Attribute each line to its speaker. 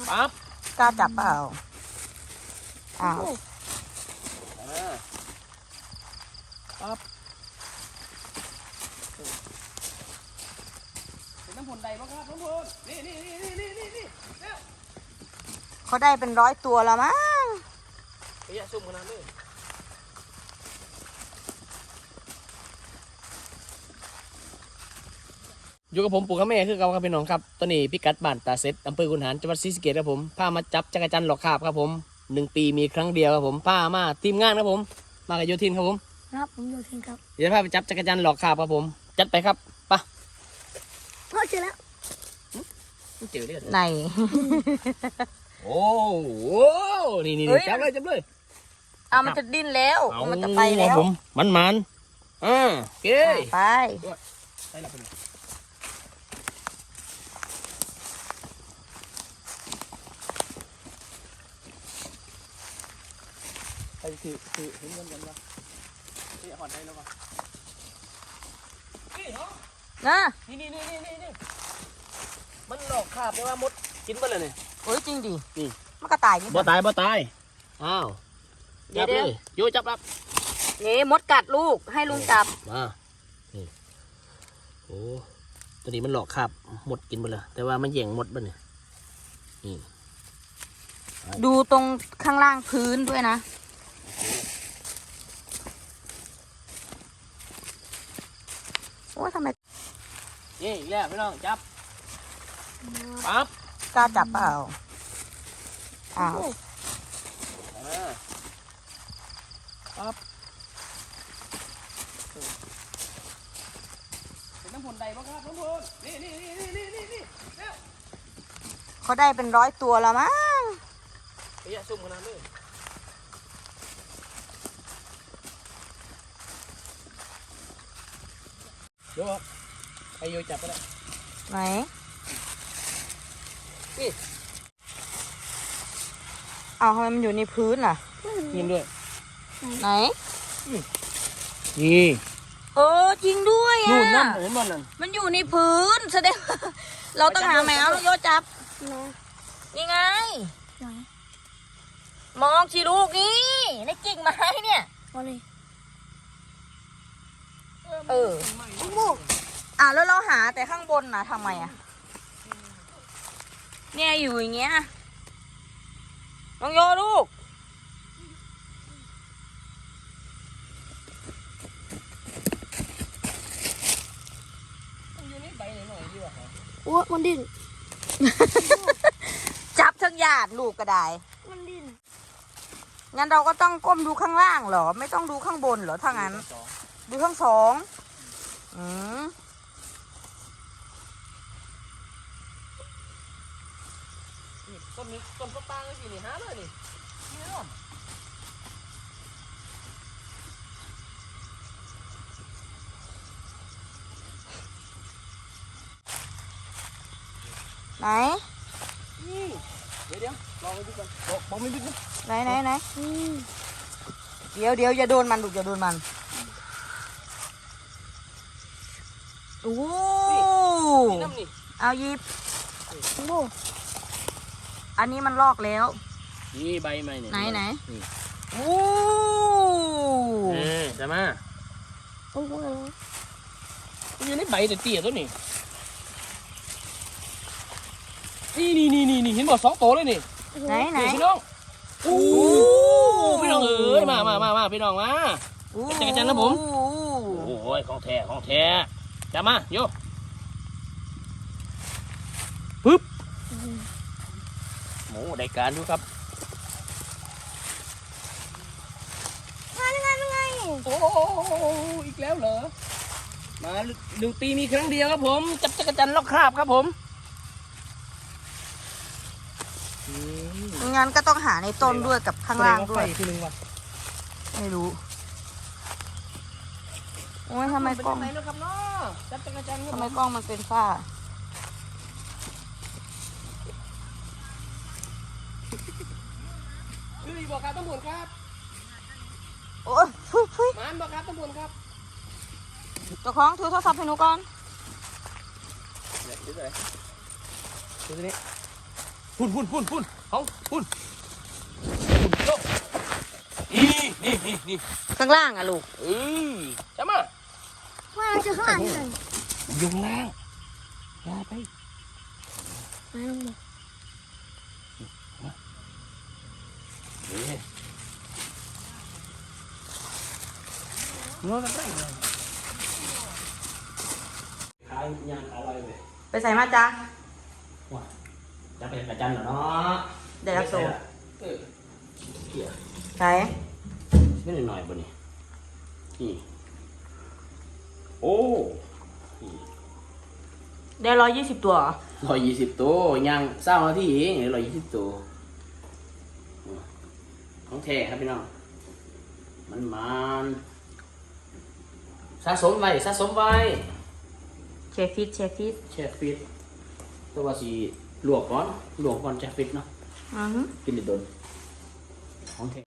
Speaker 1: ปั๊บ
Speaker 2: กล้าจับเปล่าอ้าว
Speaker 1: ปั๊บเป็นน้ำผลใดบ้างครับน้ำผลนี่
Speaker 2: เขาได้เป็น100 ตัวแล้วมั้ง
Speaker 1: ไปแย่ซุ่มขนาดนี้อยู่กับผมปู่กับแม่คือเก่าครับพี่น้องครับตอนนี้พิกัดบ้านตาเซ็ตอำเภอขุนหารจังหวัดศรีสะเกษครับผมพามาจับจักรจันทร์หลอกคาบครับผม1 ปีมีครั้งเดียวครับผมพามาทีมงานครับผมมากับโยทินครับผม
Speaker 3: ครับผมโยทินครับ
Speaker 1: เดี๋ยวพาไปจับจักรจันทร์หลอกคาบครับผมจัดไปครับไป
Speaker 3: พ่อเจอแล้ว
Speaker 1: เจอเลือด
Speaker 2: ไหน
Speaker 1: โอ้โหนี่จับเลย
Speaker 2: เอามันจะดิ้นแล้วมันจะไปแล้ว
Speaker 1: ผมมันโอเค
Speaker 2: ไป
Speaker 1: ไปละไปถือเห็นกันวะนี่หอดได้แล้ววะนี่เหรอ
Speaker 2: นะ
Speaker 1: นี่มันหลอกคาบได้ว่ามดกินไปเลยเนี่ย
Speaker 2: โอ้ยจริงดิ
Speaker 1: นี่
Speaker 2: มันก็ตายนี่
Speaker 1: บ่ตายอ้าวจับเลยโยจับรับ
Speaker 2: นี่มดกัดลูกให้ลุงจับ
Speaker 1: มานี่โอ้ตัวนี้มันหลอกคาบมดกินไปเลยแต่ว่ามันแย่งมดบ้านเนี่ยนี่
Speaker 2: ดูตรงข้างล่างพื้นด้วยนะโอ้ยทำไม
Speaker 1: นี่อีกแล้วพี่น้องจับปั๊บ
Speaker 2: กล้าจับเปล่าอ้าว
Speaker 1: ปั๊บเป็นน้ำผลใดบ้างครับน้ำผลนี่
Speaker 2: เขาได้เป็น100 ตัวแล้วมั้ง
Speaker 1: ไปแย่ซุ่มขนาดนี้โยกไปโยจับก็ได้
Speaker 2: ไหน
Speaker 1: นี่
Speaker 2: เอาทำไมมันอยู่ในพื้นล่ะ
Speaker 1: ยินด้วย
Speaker 2: ไหน
Speaker 1: นี่
Speaker 2: จริงด้วยอ่ะ
Speaker 1: นู่นนั่นเห็นมันนั่น
Speaker 2: มันอยู่ในพื้นแสดงเราต้องหาแมวโยจับนี่ไงมองชีลูกนี่ในกิ่งไม้เนี่ยแล้วเราหาแต่ข้างบนนะทำไมอ่ะเนี่ยอยู่อย่างเงี้ยน้องโยลูก
Speaker 3: โอ้มันดิ้น
Speaker 2: จับทั้งหยาดลูกก็ได้
Speaker 3: มันดิ้น
Speaker 2: งั้นเราก็ต้องก้มดูข้างล่างเหรอไม่ต้องดูข้างบนเหรอถ้างั้นดูทั้งสอง
Speaker 1: ต้นปางเลยสินี่หาเลยนี่
Speaker 2: ไหน
Speaker 1: เดี๋ยวลองไปดูกันบอกไม่ดูนะ
Speaker 2: ไหนเดี๋ยวอย่าโดนมันลูกอย่าโดนมันโอ้เอาหยิบอันนี้มันลอกแล้ว
Speaker 1: นี่ใบใหม่เนี่ย
Speaker 2: ไหนโอ้
Speaker 1: จะมาอยู่ในใบเตี้ยตัวนี้นี่เห็นบอก2 ตัวเลยนี่
Speaker 2: ไหน
Speaker 1: พี่น้องโอ้พี่น้องมาพี่น้องมาจักรจันทร์นะผมโอ้ยของแท้จับมาโยปึ๊บหมูได้การดูครับ
Speaker 3: ไง
Speaker 1: โอ้อีกแล้วเหรอมา1 ปีมีครั้งเดียวครับผมจับจักรจันทร์ลอกคราบครับผม
Speaker 2: งั้นก็ต้องหาในต้นด้วยกับข้างล่างด้วยไม่รู้โอ้ยทำไมกล้องมันเป็นฝ้า
Speaker 1: บอกครับตำรวจครับ
Speaker 2: โอ้ยฟุย
Speaker 1: มันบอกครับตำรวจครับ
Speaker 2: เจ้าของถือโทรศัพท์ให้หนูก่อน
Speaker 1: ดูสิดูสินี่พุ่นเขาพุ่นโลกนี่
Speaker 2: ข้างล่างอะลูก
Speaker 1: จะมา
Speaker 3: ว่าเจอข้างหลังเลย
Speaker 1: ยุงล่างอย่าไป
Speaker 3: มาลงมา
Speaker 1: นอนอะไรขายยางขายอะไรเลย
Speaker 2: ไปใส่มาจ้า
Speaker 1: ว้าจะเป็นกระจันเหรอเนาะ
Speaker 2: เดี๋ยวรับตัว
Speaker 1: เกี่ย
Speaker 2: ใส่
Speaker 1: ไม่หน่อยๆบ่นี่นี่โอ้
Speaker 2: ได้120 ตัวเหรอ
Speaker 1: 120 ตัวยางเศร้านาทีเอง120 ตัวของแท้ครับพี่น้องมันสะสมไว้
Speaker 2: เชฟฟิต
Speaker 1: แช่ฟิตตัวว่าสิลวกก่อนแช่ฟิตเนาะ
Speaker 2: อือฮึ
Speaker 1: กินได้โดนของแท้